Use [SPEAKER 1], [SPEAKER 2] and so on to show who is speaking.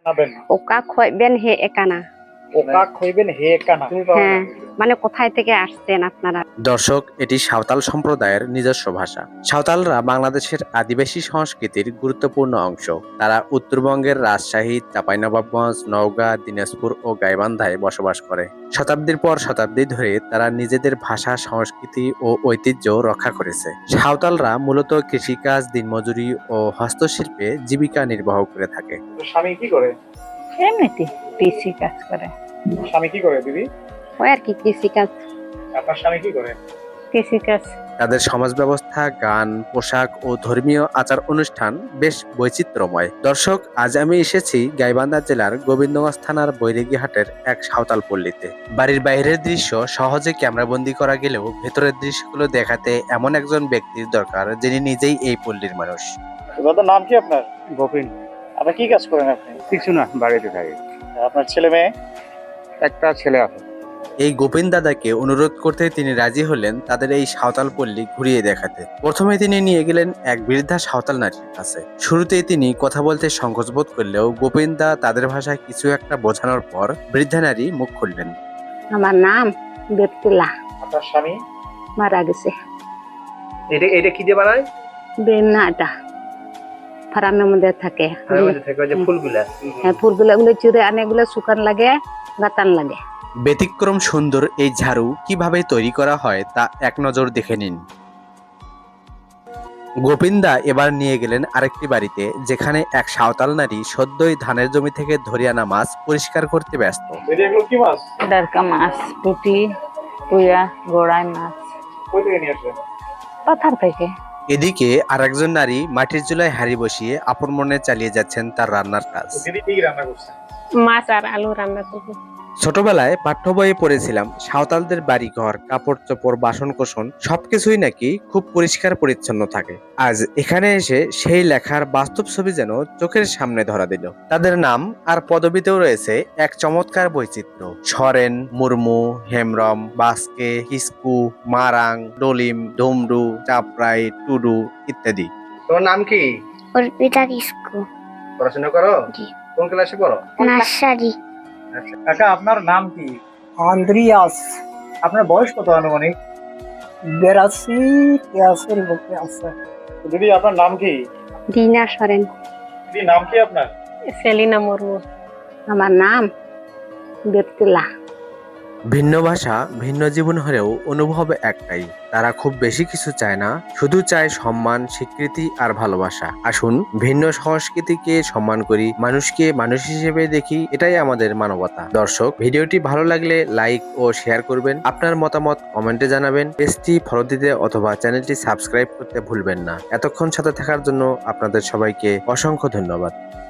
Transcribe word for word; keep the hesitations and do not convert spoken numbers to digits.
[SPEAKER 1] খাবেন
[SPEAKER 2] ওকা খইবেন হে একানা।
[SPEAKER 1] ওকা খইবেন হে একানা।
[SPEAKER 2] হ্যাঁ, মানে কোথায় থেকে আসছেন আপনারা?
[SPEAKER 3] দর্শক, এটি সাঁওতাল সম্প্রদায়ের নিজস্ব ভাষা। সাঁওতালরা বাংলাদেশের আদিবাসী সংস্কৃতির গুরুত্বপূর্ণ অংশ। তারা উত্তরবঙ্গের রাজশাহী, চাঁপাইনবাবগঞ্জ, নওগাঁ, দিনাজপুর ও গাইবান্ধায় বসবাস করে। শতাব্দীর পর শতাব্দী ধরে তারা নিজেদের ভাষা, সংস্কৃতি ও ঐতিহ্য রক্ষা করেছে। সাঁওতালরা মূলত কৃষিকাজ, দিনমজুরি ও হস্তশিল্পে জীবিকা নির্বাহ করে থাকে।
[SPEAKER 1] স্বামী কি করে?
[SPEAKER 4] এমনিতে কৃষি কাজ করে।
[SPEAKER 1] স্বামী কি করে দিদি?
[SPEAKER 2] ওই আর কি কৃষিকাজ।
[SPEAKER 1] আপনার স্বামী কি করে?
[SPEAKER 4] কৃষি কাজ।
[SPEAKER 3] তাদের সমাজ ব্যবস্থা, গান, পোশাক ও ধর্মীয় আচার অনুষ্ঠান বেশ বৈচিত্র্যময়। দর্শক, আজ আমি এসেছি গাইবান্ধা জেলার গোবিন্দগঞ্জ থানার বৈরাগীহাটের এক সাঁওতাল পল্লীতে। বাড়ির বাইরের দৃশ্য সহজে ক্যামেরাবন্দি করা গেলেও ভেতরের দৃশ্যগুলো দেখাতে এমন একজন ব্যক্তির দরকার যিনি নিজেই এই পল্লীর মানুষ।
[SPEAKER 1] দাদার নাম কি আপনার?
[SPEAKER 5] গোপিন।
[SPEAKER 1] আপনি কি কাজ করেন? আপনি
[SPEAKER 5] কিছু না, বাড়িতে থাকি।
[SPEAKER 1] আপনার ছেলে মেয়ে?
[SPEAKER 5] একটা ছেলে আছে।
[SPEAKER 3] এই গোপিন দাদাকে অনুরোধ করতে তিনি রাজি হলেন তাদের এই সাঁওতাল পল্লী ঘুরিয়ে দেখাতে। প্রথমে তিনি নিয়ে গেলেন এক বৃদ্ধা সাঁওতাল নারীর কাছে। শুরুতেই তিনি কথা বলতে সংকোচ বোধ করলেও গোপিন দা তাদের ভাষায় কিছু একটা বোঝানোর পর বৃদ্ধা নারী মুখ খুললেন।
[SPEAKER 2] আমার নাম বেপতুল্লাহ।
[SPEAKER 1] আপনার স্বামী?
[SPEAKER 2] মারা গেছে।
[SPEAKER 1] এটা এটা কি দিয়ে বানায়?
[SPEAKER 2] বেনাটা ফার্মের মধ্যে থাকে।
[SPEAKER 1] থেকে যে ফুলগুলা।
[SPEAKER 2] হ্যাঁ, ফুলগুলো গুলো চুরে আনে, এগুলো শুকান লাগে, গাতান লাগে।
[SPEAKER 3] ব্যতিক্রম সুন্দর এই ঝাড়ু কিভাবে তৈরি করা হয় তা এক নজর দেখে নিন। গোপিন্দা এবার নিয়ে গেলেন আরেকটি বাড়িতে, যেখানে এক সাঁওতাল নারী সদ্যই ধানের জমি থেকে ধরে আনা মাছ পরিষ্কার করতে ব্যস্ত।
[SPEAKER 1] এগুলো কি মাছ?
[SPEAKER 4] ডারকা মাছ, পুঁটি, পুয়া, গোড়াই মাছ।
[SPEAKER 1] কই থেকে নিয়ে আসলেন?
[SPEAKER 4] পাথার থেকে।
[SPEAKER 3] এদিকে আরেকজন নারী মাটির চুলায় হাঁড়ি বসিয়ে আপন মনে চালিয়ে যাচ্ছেন তার রান্নার কাজ।
[SPEAKER 1] দিদি কি রান্না করছেন?
[SPEAKER 4] মাছ আর আলু রান্না করবো।
[SPEAKER 3] ছোটবেলায় পাঠ্য বইয়ে পড়েছিলাম সাঁওতালদের বাড়ি ঘর, কাপড় চোপড়, বাসন কোসন সবকিছুই নাকি খুব পরিষ্কার পরিচ্ছন্ন থাকে। আজ এখানে এসে সেই লেখার বাস্তব ছবি যেন চোখের সামনে ধরা দিল। তাদের নাম আর পদবিতেও রয়েছে এক চমৎকার বৈচিত্র্য। সরেন, মুর্মু, হেমরম, বাস্কে, কিস্কু, মারাং, ডলিম, ডুমরু, চাপড়াই, টুডু ইত্যাদি।
[SPEAKER 1] তোমার নাম কি?
[SPEAKER 6] অর্পিতা কিস্কু।
[SPEAKER 1] পড়াশোনা করো?
[SPEAKER 6] জি।
[SPEAKER 1] কোন ক্লাসে পড়ো?
[SPEAKER 6] নার্সারি।
[SPEAKER 1] আচ্ছা কাকা, আপনার নাম কি?
[SPEAKER 7] আন্দ্রিয়াস।
[SPEAKER 1] আপনার বয়স কত আনুমানিক?
[SPEAKER 7] বিরাশি তেরাশির মধ্যে আছে।
[SPEAKER 1] দিদি আপনার নাম কি?
[SPEAKER 2] দিনা সরেন।
[SPEAKER 1] দিদি নাম কি আপনার?
[SPEAKER 4] সেলিনা মুর্মু।
[SPEAKER 2] আমার নাম বেপতুল্লাহ।
[SPEAKER 3] ভিন্ন ভাষা, ভিন্ন জীবন হলেও অনুভব একটাই। তারা খুব বেশি কিছু চায় না, শুধু চায় সম্মান, স্বীকৃতি আর ভালোবাসা। আসুন ভিন্ন সংস্কৃতিকে সম্মান করি, মানুষকে মানুষ হিসেবে দেখি, এটাই আমাদের মানবতা। দর্শক, ভিডিওটি ভালো লাগলে লাইক ও শেয়ার করবেন। আপনার মতামত কমেন্টে জানাবেন। পেজটি ফলো দিতে অথবা চ্যানেলটি সাবস্ক্রাইব করতে ভুলবেন না। এতক্ষণ সাথে থাকার জন্য আপনাদের সবাইকে অসংখ্য ধন্যবাদ।